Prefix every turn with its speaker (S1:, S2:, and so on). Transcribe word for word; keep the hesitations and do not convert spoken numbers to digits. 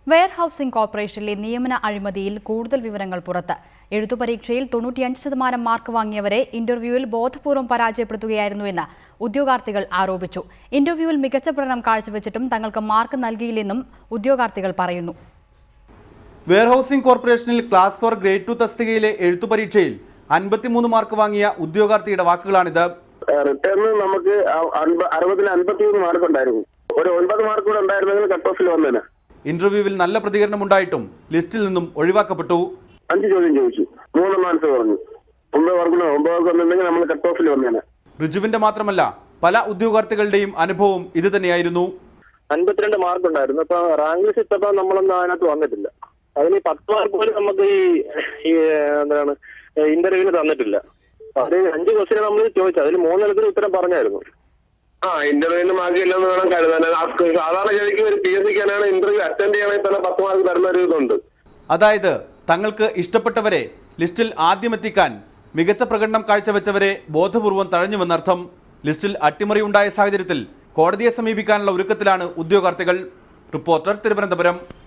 S1: Wear housing കോർപ്പറേഷനിലെ നിയമന അഴിമതിയിൽ കൂടുതൽ വിവരങ്ങൾ പുറത്ത്. എഴുത്തുപരീക്ഷയിൽ തൊണ്ണൂറ്റിയഞ്ച് ശതമാനം മാർക്ക് വാങ്ങിയവരെ ഇന്റർവ്യൂവിൽ ബോധപൂർവ്വം പരാജയപ്പെടുത്തുകയായിരുന്നുവെന്ന് ഉദ്യോഗാർത്ഥികൾ ആരോപിച്ചു. ഇന്റർവ്യൂവിൽ മികച്ച പ്രകടനം കാഴ്ചവെച്ചിട്ടും തങ്ങൾക്ക് മാർക്ക് നൽകിയില്ലെന്നും ഉദ്യോഗാർത്ഥികൾ പറയുന്നു.
S2: വെയർ ഹൗസിംഗ് കോർപ്പറേഷനിൽ ക്ലാസ് ഫോർ ഗ്രേഡ് ടു തസ്തികയിലെ എഴുത്തുപരീക്ഷയിൽ അൻപത്തിമൂന്ന് മാർക്ക് വാങ്ങിയ ഉദ്യോഗാർത്ഥിയുടെ വാക്കുകളാണിത്.
S3: റിട്ടേണിൽ നമുക്ക് അറുപതിന് അൻപത്തിമൂന്ന് മാർക്ക് ഉണ്ടായിരുന്നു. ഒരു ഒൻപത് മാർക്ക് കൂടെ ഉണ്ടായിരുന്നെങ്കിൽ കട്ട് ഓഫിൽ വന്നേനെ.
S2: ഇന്റർവ്യൂവിൽ നല്ല പ്രതികരണമുണ്ടായിട്ടും ലിസ്റ്റിൽ നിന്നും ഒഴിവാക്കപ്പെട്ടു.
S3: അഞ്ച് ചോദ്യം ചോദിച്ചു, മൂന്നെണ്ണം ആൻസർ പറഞ്ഞു. ഒമ്പത് മാർക്കിന് ഒമ്പത് മാർക്ക് വന്നിട്ടുണ്ടെങ്കിൽ നമ്മൾ കട്ട് ഓഫിൽ വന്നേനെ.
S2: റിജുവിന്റെ മാത്രമല്ല പല ഉദ്യോഗാർത്ഥികളുടെയും അനുഭവം ഇത് തന്നെയായിരുന്നു.
S4: അൻപത്തിരണ്ട് മാർക്ക് ഉണ്ടായിരുന്നു. അപ്പൊ റാങ്ക് ലിസ്റ്റ് ഇട്ടപ്പോൾ നമ്മളൊന്നും അതിനകത്ത് വന്നിട്ടില്ല. അതിന് പത്ത് മാർക്ക് പോലും നമുക്ക് ഈ എന്താണ് ഇന്റർവ്യൂവിന് തന്നിട്ടില്ല. അത് അഞ്ച് ക്വസ്റ്റ്യൻ നമ്മൾ ചോദിച്ചു, അതിൽ മൂന്നെണ്ണത്തിന് ഉത്തരം പറഞ്ഞായിരുന്നു.
S3: ആ ഇന്റർവ്യൂവിന് മാർക്ക് ഇല്ലെന്ന് വേണം കരുതാൻ. സാധാരണ ഗതിക്ക് ഒരു പി എസ് സിക്കാനാണ് ഇന്റർവ്യൂ അറ്റൻഡ് ചെയ്യണമെങ്കിൽ തന്നെ പത്ത് മാർക്ക് തരുന്ന ഒരു ഇതുണ്ട്.
S2: അതായത് തങ്ങൾക്ക് ഇഷ്ടപ്പെട്ടവരെ ലിസ്റ്റിൽ ആദ്യം എത്തിക്കാൻ മികച്ച പ്രകടനം കാഴ്ചവെച്ചവരെ ബോധപൂർവം തഴഞ്ഞുവെന്നർത്ഥം. ലിസ്റ്റിൽ അട്ടിമറി ഉണ്ടായ സാഹചര്യത്തിൽ കോടതിയെ സമീപിക്കാനുള്ള ഒരുക്കത്തിലാണ് ഉദ്യോഗാർത്ഥികൾ. റിപ്പോർട്ടർ, തിരുവനന്തപുരം.